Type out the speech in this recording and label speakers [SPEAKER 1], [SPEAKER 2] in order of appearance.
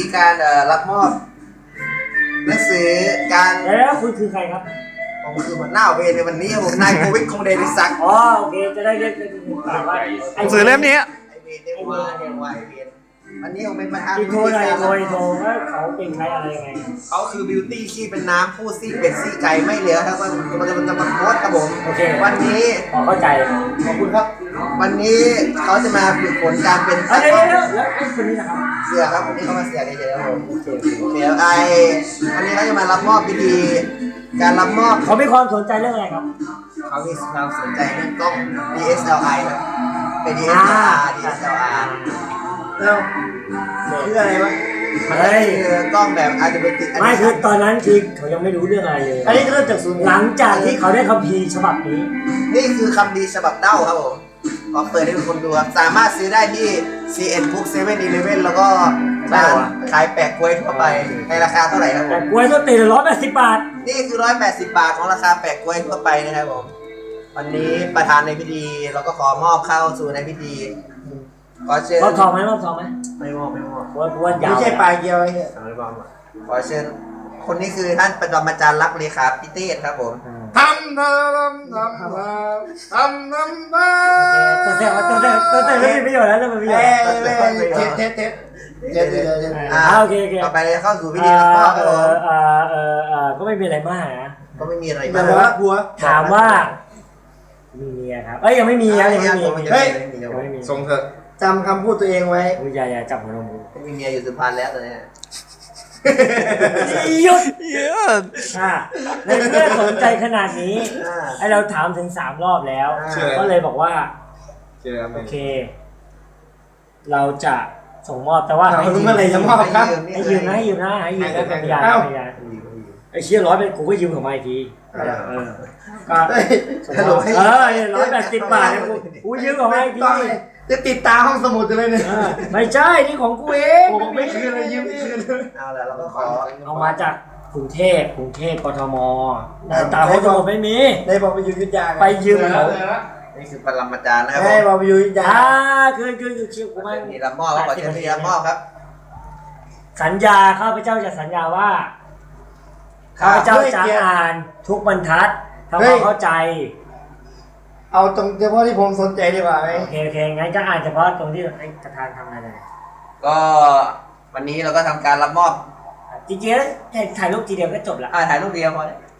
[SPEAKER 1] การรับมอบหนังสือการ
[SPEAKER 2] แล้วคุณคือใครครับ
[SPEAKER 1] ผมคือหัวหน้าเวรในวันนี้ผมนายโควิดคงเดนิสัก
[SPEAKER 2] อ๋อโอเคจะได้เรียกเป็นปากว่า
[SPEAKER 3] หนังสือเล่มนี้
[SPEAKER 1] ไอเวรเดวาเดวาไอเวรวันนี้ผมเป็นประธาน
[SPEAKER 2] อีโทรหน่อยโทรว่าเขาเป็นใครอะไรยังไง
[SPEAKER 1] เขาคือบิวตี้ขี้เป็นน้ำผู้ซี่เป็ดซี่ไก่ไม่เหลือครับมันจะมาโพสครับผม
[SPEAKER 2] โอเค
[SPEAKER 1] วันนี้
[SPEAKER 2] พอเข้าใจ
[SPEAKER 1] ขอบคุณครับ วันนี้เขาจะมาฝึกฝนการเป็น
[SPEAKER 2] เดี๋ยวแล้วไอ้คนนี้นะครับ
[SPEAKER 1] เสือครับวันนี้เขามาเสือเฉยๆครับผม
[SPEAKER 2] โอเค
[SPEAKER 1] เดี๋ยววันนี้เขาจะมารับมอบพิธีการรับมอบ
[SPEAKER 2] เขามีความสนใจเรื่องอะไรครับ
[SPEAKER 1] เขามีความสนใจเรื่องกล้อง DSLR ครับเป็น DSLR แล้วคืออะไรวะมันคือกล้องแบบอาจจะเป็นติด
[SPEAKER 2] ไม่คือตอนนั้นคือเขายังไม่รู้เรื่องอะไรเลย
[SPEAKER 1] อันนี้เริ่มจากศูนย์
[SPEAKER 2] หลังจากที่เขาได้คัมภีร์ฉบับนี้
[SPEAKER 1] นี่คือคำดีฉบับเด้าครับผมขอเปิดให้ทุกคนดูครับสามารถซื้อได้ที่ CN Book 7-Eleven แล้วก็ร้านขายแปะกล้วยทั่วไปในราคาเท่าไหร่ครับผ
[SPEAKER 2] แต่
[SPEAKER 1] ม
[SPEAKER 2] กล้วยต้นตีละ180 บาท
[SPEAKER 1] นี่คือ180 บาทของราคาแปะกล้วยทั่วไปนะครับผมวันนี้ประธานในพิธีเราก็ขอมอบเข้าสู่ในพิธีขอเชิญ
[SPEAKER 2] รอบทองไหมรอบทองไหม
[SPEAKER 1] ไม่มอบไม่มอบ
[SPEAKER 2] กล้วยยาว
[SPEAKER 4] ไม่ใช่ปลายเกียวไอ้เนี่ย
[SPEAKER 1] ไม่มอบขอเชิญคนนี้คือท่านประจำอาจารย์รักเลขาพิเทศครับผม
[SPEAKER 3] ทำ
[SPEAKER 2] ตัวเสร็จแล้วมีประโยชน์แล้วเริ่มมีประโยชน์
[SPEAKER 4] เทสเดี๋ยว
[SPEAKER 2] โอเค
[SPEAKER 1] ต่อไปเราจะเข้าสู่พิธีรับมอบครับผม
[SPEAKER 2] ก็ไม่มีอะไรมากนะ
[SPEAKER 1] ก็ไม่มีอะไร
[SPEAKER 4] แต่
[SPEAKER 1] มาก
[SPEAKER 4] ว่าบัว
[SPEAKER 2] ถามว่ามีเมียครับยังไม่มีครับยังไม่มี
[SPEAKER 1] เฮ้ย
[SPEAKER 2] ยังไม่มี
[SPEAKER 3] ทรงเถอะ
[SPEAKER 4] จำคำพูดตัวเองไว้
[SPEAKER 2] อย่าจับหัวนม
[SPEAKER 1] ไม่มีเมียอยู่สุพรรณแล้วตอนนี้
[SPEAKER 2] หยุด
[SPEAKER 3] เยอะ
[SPEAKER 2] ในเมื่อสนใจขนาดนี้ไอเราถามถึง3 รอบแล้ว ก็เลยบอกว่า
[SPEAKER 3] เจอไหม
[SPEAKER 2] โอเค เราจะส่งมอบแต่ว่าให้ยืม
[SPEAKER 4] เมื่อไหร่จะมอบครับ
[SPEAKER 2] ให้ยืมนะเป็นพยานไอเชี่ย100เป็นกูก็ยืมของมาอีกทีก็ส่งมอบ180 บาทเนี่ยกูยืมของมาอีกที
[SPEAKER 4] จะติดตาห้องสมุดเลยเนี่ย
[SPEAKER 2] ไม่ใช่นี่ของกูเอง
[SPEAKER 4] ผมไม่คืนเลยยืมไม่คืน
[SPEAKER 1] เอาละเราก็ขอ
[SPEAKER 2] เอามาจากกรุงเทพกทมตาห้องสมุดไม่มี
[SPEAKER 4] ได้บอกไปอยู่ยุทธยา
[SPEAKER 2] ไปยืมเขา
[SPEAKER 1] นี่คือปรมาจารย์นะครับผ
[SPEAKER 4] ได้
[SPEAKER 1] ม
[SPEAKER 4] บอกไปอยู่ยุทธยา
[SPEAKER 2] คือเชี่ยวกูไม่
[SPEAKER 1] นี่รับมอบครับขอเชิญพิธีรับมอบครับ
[SPEAKER 2] สัญญาข้าพเจ้าจะสัญญาว่าข้าพเจ้าจะอ่านทุกบรรทัดทำความเข้าใจ
[SPEAKER 4] เอาตรงเฉพาะที่ผมสนใจดีกว่าไหม
[SPEAKER 2] โอเคงั้นก็อ่านเฉพาะตรงที่ประธานทำอะไร
[SPEAKER 1] ก็วันนี้เราก็ทำการรับมอบ
[SPEAKER 2] จริงๆแล้วถ่ายรูปทีเดียวก็จบละ
[SPEAKER 1] ถ่ายรูปเดียวพอแล้ว